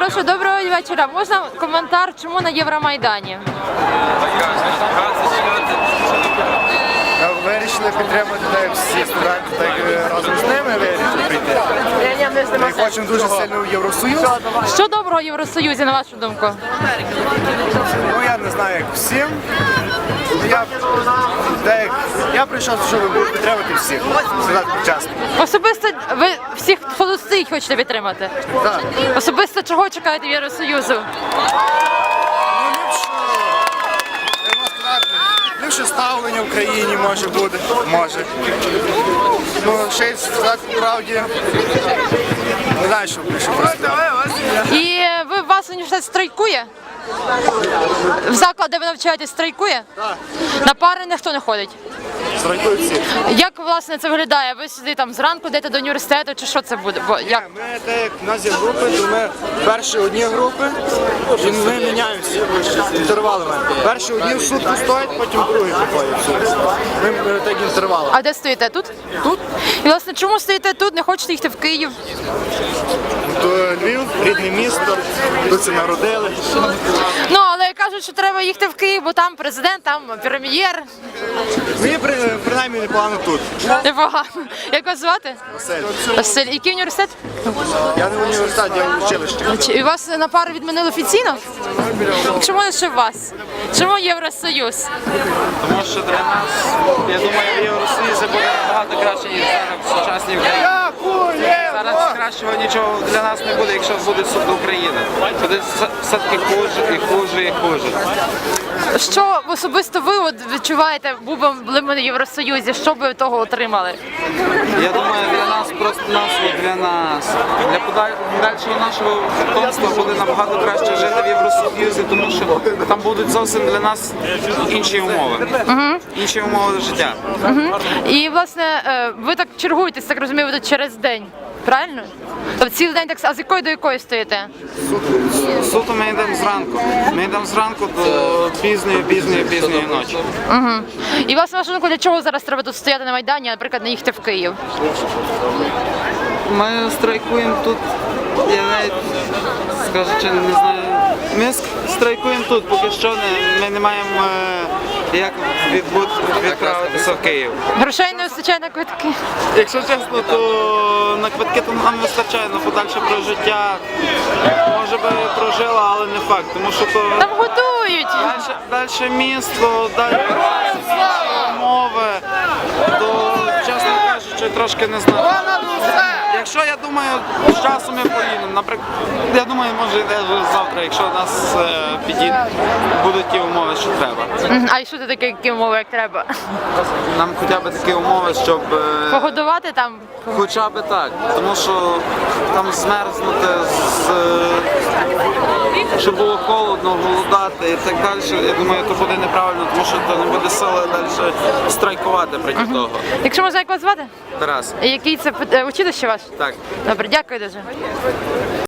Прошу, доброго вечора. Можна коментар, чому на Євромайдані? Вирішили підтримати так всі студенти, так разом з ними вирішили прийти. Ми хочемо дуже сильно в Євросоюз. Що доброго в Євросоюзі, на вашу думку? Ну я не знаю, як всім. Я прийшов, щоб підтримати всіх. Сказати чесно. Особисто ви всіх, хто тут стоїть, хочете підтримати? Так. Особисто чого чекаєте від Євросоюзу? Ліпше ставлення в країні може бути, може. Ну, ще й сказати правді, не знаю, що більше просто. І вас університет страйкує? В заклад, де ви навчаєтесь, страйкує? Так. На пари ніхто не ходить? Страйкують всі. Як, власне, це виглядає? Ви сюди там зранку йдете до університету, чи що це буде? Як? Ми, так як в нас є групи, то ми перші одні групи, і ми міняємося інтервалами. Перші одні в сутку стоять, потім другі приходять. Ми так інтервалами. А де стоїте? Тут? Тут. І, власне, чому стоїте тут, не хочете їхати в Київ? То Львів, рідне місто, тут це народили. Ну, але кажуть, що треба їхати в Київ, бо там президент, там прем'єр. Мені принаймні непогано тут. Непогано. Як вас звати? Василь. Василь. Який університет? Я не в університеті, я в училищі. І вас на пару відмінили офіційно? Чому лише вас? Чому Євросоюз? Тому що для нас, я думаю, в Євросоюзі буде набагато краще, ніж зараз в сучасній Україні. Зараз кращого нічого для нас не буде, якщо буде суд України. Буде все-таки хуже і хуже і хуже. Що особисто ви відчуваєте, були ми на Євросоюзі, що б ви того отримали? Я думаю, для нас, просто для нас. Для подальшого нашого потомства буде набагато краще жити в Євросоюзі, тому що там будуть зовсім для нас інші умови. Інші умови життя. І, власне, ви так чергуєтесь, так розумію, ви тут через день, правильно? Тобто цілий день так, а з якої до якої стоїте? Суто ми йдемо зранку. Ми йдемо зранку до пізньої ночі. І, власне, вашу думку, для чого зараз треба тут стояти на Майдані, а, наприклад, не їхати в Київ? Ми страйкуємо тут, я навіть, скажучи, не знаю, ми страйкуємо тут, поки що ми не маємо як відправитися в Київ. Грошей не вистачає на квитки? Якщо чесно, то на квитки то нам вистачає, на подальше прожиття. Може би прожила, але не факт, тому що то Там готують! далі місто, далі умови, то, чесно кажучи, трошки не знаю. Якщо, я думаю, з часом ми поїдемо, наприклад, я думаю, може йде завтра, якщо у нас будуть ті умови, що треба. А і що це таке, які умови, як треба? Нам хоча б такі умови, щоб Погодувати там? хоча б так, тому що там змерзнути, щоб було холодно, голодати і так далі, я думаю, то буде неправильно, тому що то не буде сили далі страйкувати проти того. Якщо можна, як вас звати? Тарас. Який це училище ваше? Так. Добре, дякую дуже.